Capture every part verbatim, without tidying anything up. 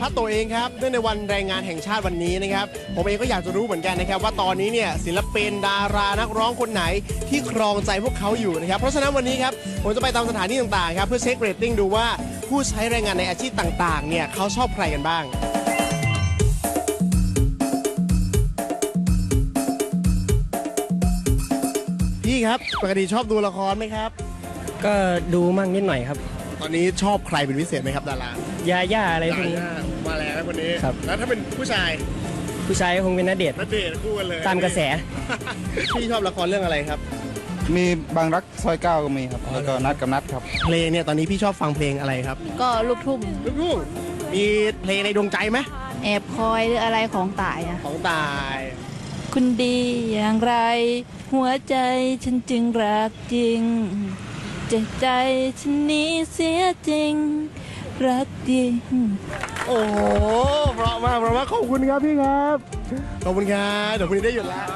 ตโตเองครับเนื่องในวันแรงงานแห่งชาติวันนี้นะครับผมเองก็อยากจะรู้เหมือนกันนะครับว่าตอนนี้เนี่ยศิลปินดารานักร้องคนไหนที่ครองใจพวกเขาอยู่นะครับเพราะฉะนั้นวันนี้ครับผมจะไปตามสถานที่ต่างๆครับเพื่อเช็คเรตติ้งดูว่าผู้ใช้แรงงานในอาชีพต่างๆเนี่ยเขาชอบใครกันบ้างพี่ครับปกติชอบดูละครไหมครับก็ดูมั่งนิดหน่อยครับตอนนี้ชอบใครเป็นพิเศษไหมครับดาราย่าย่าอะไรพวกนี้มาแล้วคนนี้ครับแล้วถ้าเป็นผู้ชายผู้ชายก็คงเป็นณเดชน์นัดเดทคู่กันเลยตามกระแสพี่ชอบละครเรื่องอะไรครับมีบางรักซอยเก้าก็มีครับ แล้วก็นัดกับนัดครับเพลงเนี่ยตอนนี้พี่ชอบฟังเพลงอะไรครับก็ลูกทุ่งลูกทุ่งมีเพลงในดวงใจไหมแอบคอยหรืออะไรของตายอะของตายคุณดีอย่างไร หัวใจฉันจึงรักจริงใจใจฉันนี้เสียจริง รักจริงโอ้โหเพราะมากเพราะมากขอบคุณครับพี่ครับขอบคุณครับเดี๋ยวพรุ่งนี้ได้หยุดแล้ว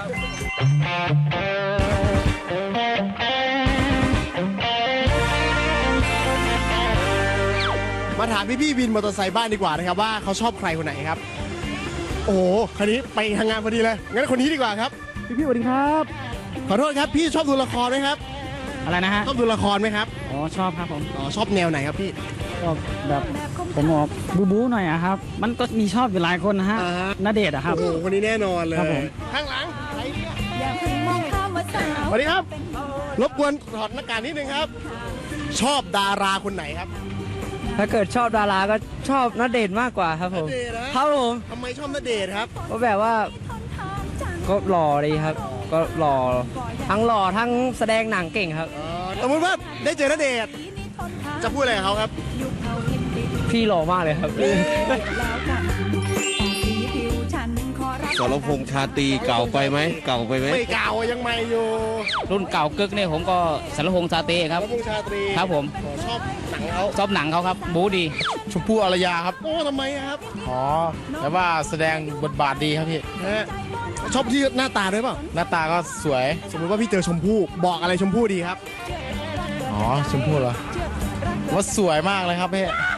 มาถามพี่พี่ๆวินมอเตอร์ไซค์บ้านดีกว่านะครับว่าเขาชอบใครคนไหนครับ โอ้โหคันนี้ไปทำงานพอดีเลยงั้นคนนี้ดีกว่าครับพี่พี่ๆสวัสดีครับขอโทษครับพี่ชอบดูละครไหมครับอะไรนะฮะชอบดูละครไหมครับอ๋อชอบครับผมอ๋อชอบแนวไหนครับพี่ก็แบบผมออกบูบูหน่อยอะครับ มันก็มีชอบอยู่หลายคนนะฮะอ่าฮะณเดชน์อะครับโอ้โหคนนี้แน่นอนเลยครับผมข้างหลังใครเนี่ยอย่าเพิ่งมองข้ามว่าสาวสวัสดีครับ รบกวนถอดหน้ากากนิดนึงครับ ชอบดาราคนไหนครับถ้าเกิดชอบดาราก็ชอบณเดชน์มากกว่าครับผมณเดชน์นะครับผมทำไมชอบณเดชน์ครับเพราะแบบว่าก็หล่อดีครับ ก็หล่อทั้งหล่อทั้งแสดงหนังเก่งครับเอ่อสมมติว่าได้เจอณเดชน์จะพูดอะไรกับเขาครับพี่หล่อมากเลยครับสรพงษ์ชาตรีเก่าไปไหมเก่าไปไหมไม่เก่ายังใหม่อยู่รุ่นเก่ากึกเนี่ยผมก็สารพงษ์ซาเต้ครับแล้วพงษ์ชาตรีครับผมอ๋อชอบหนังเขาชอบหนังเขาครับ บูดีชมพู่อารยาครับโอ้ทำไมอะครับอ๋อแต่ว่าแสดงบทบาทดีครับพี่ฮะชอบที่หน้าตาด้วยเปล่าหน้าตาก็สวยสมมติว่าพี่เจอชมพู่บอกอะไรชมพู่ดีครับอ๋อ ชมพู่เหรอว่าสวยมากเลยครับพี่